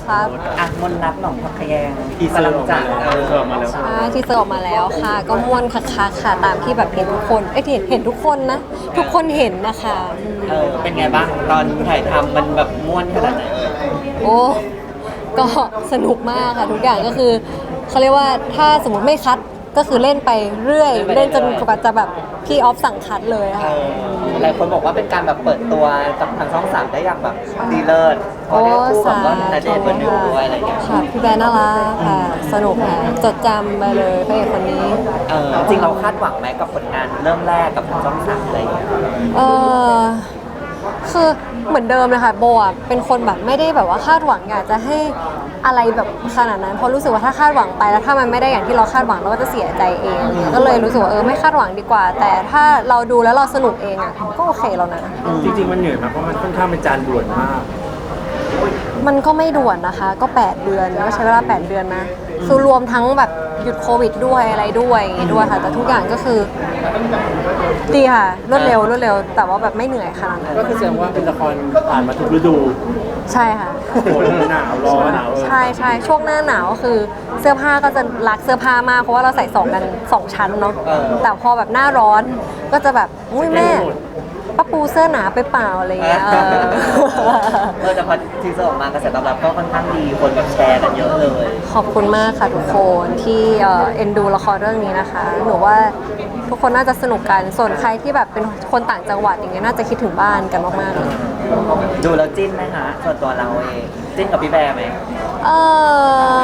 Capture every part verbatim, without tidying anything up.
ครับอ่ะมนต์รักหนองพักขยงทีเซอร์ออกมาแล้วเออทีเซอร์ออกมาแล้วใช่ที่เซอร์ออกมาแล้วค่ะ ก็ม่วนคักๆค่ะตามที่แบบเห็นทุกคนเอ้ยเห็นเห็นทุกคนนะ ทุกคนเห็นนะคะอืมเออเป็นไงบ้างตอนถ่ายทำมันแบบม่วนขนาดไหนเอ่ยโอ้ก็สนุกมากค่ะทุกอย่างก็คือเขาเรียกว่าถ้าสมมติไม่คัดก็คือเล่นไปเรื่อย เล่นจนกว่าจะแบบพี่ออฟสั่งคัดเลยเอค่ะอหลายคนบอกว่าเป็นการแบบเปิดตัวกับทางช่องสามได้อย่างแบบดีเลิศเพราะโอ้ได้คู่กับว่าสาณเดชน์เบอร์หนึ่งด้วยอะไรอย่างเงี้ยค่ะพี่แบร์น่ารักค่ะ สนุกค่ะ จดจำไปเลยพระเอกคนนี้เออจริงเราคาดหวังไหมกับผลงานเริ่มแรกกับทางช่องสามอะไรอย่างเงี้ยเออคือเหมือนเดิมเลยค่ะโบอ่ะเป็นคนแบบไม่ได้แบบว่าคาดหวังอยากจะให้อะไรแบบขนาดนั้นเพราะรู้สึกว่าถ้าคาดหวังไปแล้วถ้ามันไม่ได้อย่างที่เราคาดหวังเราก็จะเสียใจเองก็เลยรู้สึกว่าเออไม่คาดหวังดีกว่า แต่ถ้าเราดูแล้วเราสนุกเองอ่ะก็โอเคแล้วนะจริงๆมันเหนื่อยมากเพราะมันค่อนข้างเป็นจานด่วนมากมันก็ไม่ด่วนนะคะ ก็แปดเดือนก็ใช้เวลาแปดเดือนนะคือรวมทั้งแบบหยุดโควิดด้วยอะไรด้วยอย่างงี้ด้วยค่ะ แต่ทุกอย่างก็คือดีค่ะรวดเร็วรวดเร็ว แต่ว่าแบบไม่เหนื่อยขนาดนั้นก็คือแสดงว่าเป็นละครผ่านมาทุกฤดูใช่ค่ะฝนหนาวร้อนหนาวใช่ใช่ช่วงหน้าหนาวก็คือเสื้อผ้าก็จะรักเสื้อผ้ามากเพราะว่าเราใส่สองกันสองชั้นเนาะแต่พอแบบหน้าร้อนก็จะแบบอุ้ยแม่ป้าปูเสื้อหนาไปเปล่าอะไรอย่างเงี้ยเออเออแต่พอทีเซอร์ออกมากระแสตอบรับก็ค่อนข้างดีคนแบบแชร์กันเยอะเลยขอบคุณมากค่ะทุกคนที่เอ่อเอ็นดูละครเรื่องนี้นะคะ หนูว่าทุกคนน่าจะสนุกกัน ส่วนใครที่แบบเป็นคนต่างจังหวัดอย่างเงี้ยน่าจะคิดถึงบ้านกันมากๆเลยดูแล้วจิ้นไหมฮะส่วนตัวเราเองจิ้นกับพี่แบร์ไหมเออ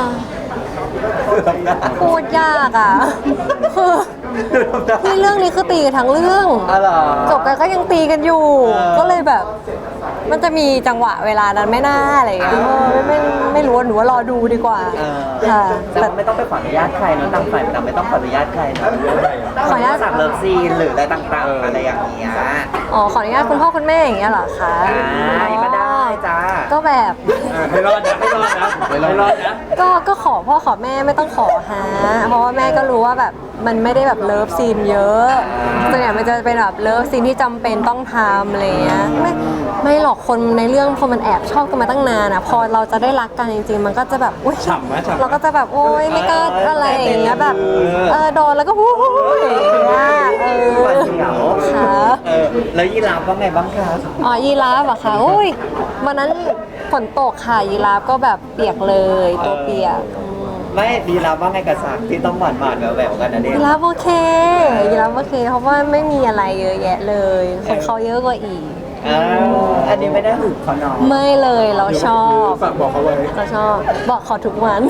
พูดยากอ่ะคือที่เรื่องนี้คือตีกันทั้งเรื่องอ๋อเหรอจบกันก็ยังตีกันอยู่เออก็เลยแบบ มันจะมีจังหวะเวลานั้นไม่น่าอะไรอย่างเงี้ยเออไม่ไม่ไม่รู้หนูว่ารอดูดีกว่าเออค่ะแต่แต่ไม่ต้องไปขออนุญาตใครเนอะต่างฝ่ายต่างไม่ต้องขออนุญาตใครเนอะขออนุญาตสั่งเลิฟซีนหรืออะไรต่างๆอะไรอย่างเงี้ยอ๋อขออนุญาตคุณพ่อคุณแม่อย่างเงี้ยเหรอคะอ่ายังก็ได้จ้าก็แบบไม่รอดนะไม่รอดนะไม่รอดนะก็ก็ขอพ่อขอแม่ไม่ต้องขอฮะเพราะว่าแม่ก็รู้ว่าแบบมันไม่ได้แบบเลิฟซีนเยอะส่วนใหญ่มันจะเป็นแบบเลิฟซีนที่จำเป็นต้องทำอะไรเงี้ยไม่ไม่หรอกคนในเรื่องพอมันแอบชอบกันมาตั้งนานอ่ะพอเราจะได้รักกันจริงๆ มันก็จะแบบอุ้ยฉ่ำไหมฉ่ำไหมเราก็จะแบบโอ๊ยไม่กล้าอะไรอย่างเงี้ยแบบเออโดนแล้วก็วู้ยอย่างเงี้ยเออหวาดเสียวค่ะเออแล้วยีราฟว่าไงบ้างคะอ๋อยีราฟอะค่ะโอ้ยวันนั้นฝนตกค่ะยีราฟก็แบบเปียกเลยตัวเปียกอืมไม่ยีราฟว่าไงกับสากที่ต้องหวานหวานๆแหววๆกันนะเนี่ยยีราฟโอเคยีราฟโอเค เพราะว่าไม่มีอะไรเยอะแยะเลย คนเขาเยอะกว่าอีกอ่าอันนี้ไม่ได้หึงเขาเนาะไม่เลยเราชอบฝากบอกเขาไว้เราชอบบอกขอทุกวัน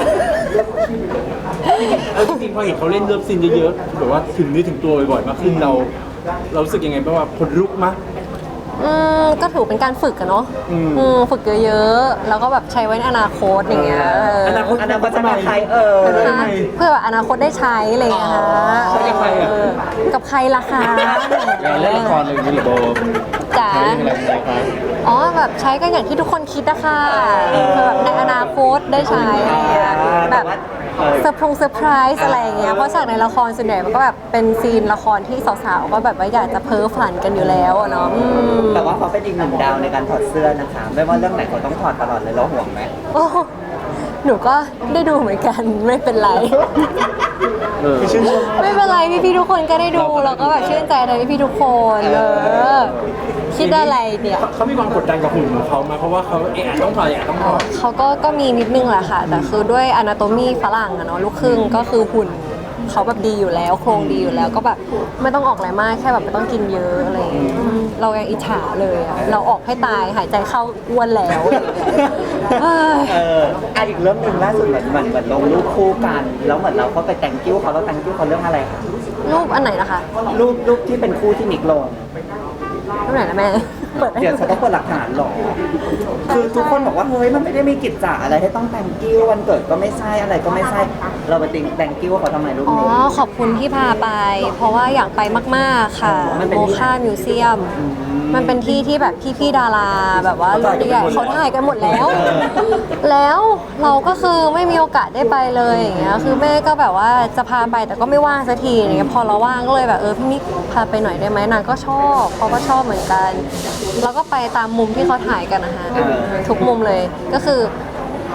เออจริงๆพอเห็นเขาเล่นเลิฟซีนเยอะๆแบบว่าถึงเนื้อถึงตัวบ่อยๆมากขึ้นเรา เรารู้สึกยังไงบ้างว่าคนลุกมะอืมก็ถือเป็นการฝึกอะเนาะอืมอืมฝึกเยอะๆ แล้วก็แบบใช้ไว้ในอนาคตอย่างเงี้ยเอออนาคตอันนั้นก็จะมาใครเออทำไมเพื่อแบบอนาคตได้ใช้อะไรอย่างเงี้ยค่ะใช้กับใครอะเออกับใครล่ะคะเราเล่นละครอะไรอย่างนี้หรือโบจ๋าใช้อะไรอย่างเงี้ยครับอ๋อแบบใช้กันอย่างที่ทุกคนคิดนะคะคือแบบในอนาคตได้ใช้อะไรเงี้ยแบบเซอร์พรงเซอร์ไพรส์อะไรอย่างเงี้ยเพราะฉากในละครส่วนใหญ่มันก็แบบเป็นซีนละครที่สาวๆก็แบบว่าอยากจะเพ้อฝันกันอยู่แล้วอะเนาะอืมแต่ว่าเขาเป็นอีกหนึ่งดาวในการถอดเสื้อนะคะ ไม่ว่าเรื่องไหนเขาต้องถอดตลอดเลยเราห่วงไหมโอ้หนูก็ได้ดูเหมือนกันไม่เป็นไรเออไม่เป็นไรพี่ๆทุกคนก็ได้ดูเราก็แบบชื่นใจในพี่ๆทุกคนเออคิดอะไรเนี่ยเขามีความกดดันกับหุ่นของเขามาเพราะว่าเขาเอะต้องถอดเอะต้องถอดเขาก็ก็มีนิดนึงแหละค่ะ แต่คือด้วยอนาโตมีฝรั่งอะเนาะลูกครึ่งก็คือหุ่นเขาแบบดีอยู่แล้ว โครงดีอยู่แล้วก็แบบไม่ต้องออกแรงมากแค่แบบไม่ต้องกินเยอะอะไรอย่างเงี้ยอืมเรายังอิจฉาเลยอะเราออกให้ตายหายใจเข้าอ้วนแล้วเอ้ยเอออ่ะอีกเรื่องหนึ่งล่าสุดเหมือนเหมือนเหมือนลงรูปคู่กัน แล้วเหมือนเราก็ไปแต่งกิ้วเขาแล้วแต่งกิ้วเขาเรื่องอะไรคะรูปอันไหนนะคะรูปรูปที่เป็นคู่ที่นิกลงรูปไหนนะแม่เปิดให้เดี๋ยวฉันต้องเปิดหลักฐานหรอ คือทุกคนบอกว่าเฮ้ยมันไม่ได้มีกิจจาอะไรให้ต้องแต่งกิ้ววันเกิดก็ไม่ใช่อะไรก็ไม่ใช่ เราไปติงแต่งกิ้วเขาทำไมรูปอ๋อนี้ขอบคุณที่พาไป เพราะว่าอยากไปมากๆค่ะมันเป็นโมที่คามิวเซียม มันเป็นที่ที่แบบพี่ๆดาราแบบว่ารุ่นใหญ่เขาถ่ายกันหมดแล้ว แล้วเราก็คือไม่มีโอกาสได้ไปเลยอย่างเงี้ยคือแม่ก็แบบว่าจะพาไปแต่ก็ไม่ว่างสักทีอย่างเงี้ยพอเราว่างก็เลยแบบเออพี่มิกพาไปหน่อยได้ไหมนางก็ชอบเขาก็ชอบเหมือนกัน แล้วก็ไปตามมุมที่เขาถ่ายกันนะคะทุกมุมเลยก็คือ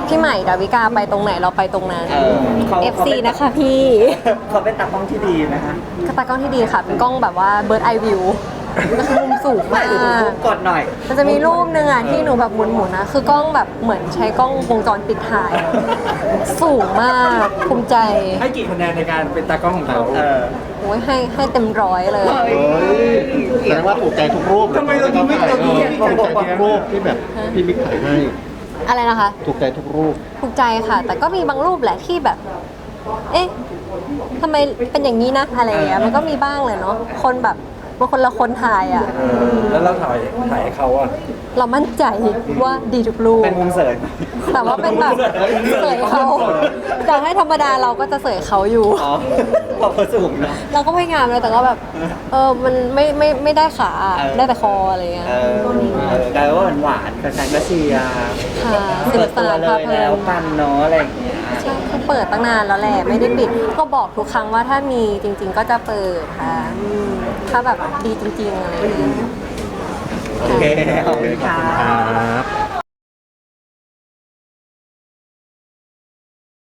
พี่ใหม่ดาวิกาไปตรงไหนเราไปตรงนั้นเออเขาเอฟ ซี นะคะพี่เขาเป็นตากล้องที่ดีนะคะก็ตากล้องที่ดีค่ะ เป็นกล้องแบบว่าเบิร์ดไอวิวก็คือมุมสูงไม่มากดูปุ๊บกดหน่อยมันจะมีรูปหนึ่งอ่ะที่หนูแบบหมุนๆนะคือกล้องแบบเหมือนใช้กล้องวงจรปิดถ่าย สูงมากภูมิใจให้กี่คะแนนในการเป็นตากล้องของเขาเออโอ้ยให้ให้เต็มร้อยเลยเฮ้ยแสดงว่าถูกใจทุกรูปทำไมเราถึงไม่เราถึงไม่มีถูการกบใจอกทุกรูปที่แบบพี่มิกถ่ายให้อะไรนะคะถูกใจทุกรูปถูกใจค่ะ แต่ก็มีบางรูปแหละที่แบบ เอ๊ะทำไมเป็นอย่างนี้นะอะไรอย่างเงี้ยมันก็มีบ้างเลยเนาะคนแบบบางคนละคนถ่ายอ่ะแล้วเราถ่ายถ่ายให้เขาอ่ะเรามั่นใจว่าดีทุกรูปเป็นมุมเสยแต่ว่าเป็นแบบเสยเขาแต่ให้ธรรมดาเราก็จะเสยเขาอยู่อ๋อพอเขาสูงเนาะเราก็พยายามเลยแต่ก็แบบ เออมันไม่ไม่ไม่ได้ขาเออได้แต่คออะไรเงี้ยเออเออกลายว่าหวานๆแฟนๆก็เชียร์ค่ะสเปินุดกสตัวนานเลพาย เพลิแล้วนกันเนาะอะไรอย่างเงี้ยใช่คือเปิดตั้งนานแล้วแหละไม่ได้ปิด ก็บอกทุกครั้งว่าถ้ามีจริง ๆ ก็จะเปิดค่ะอืมถ้าแบบดีจริง ๆ อะไรอย่างเงี้ยโอเคขอบคุณค่ะ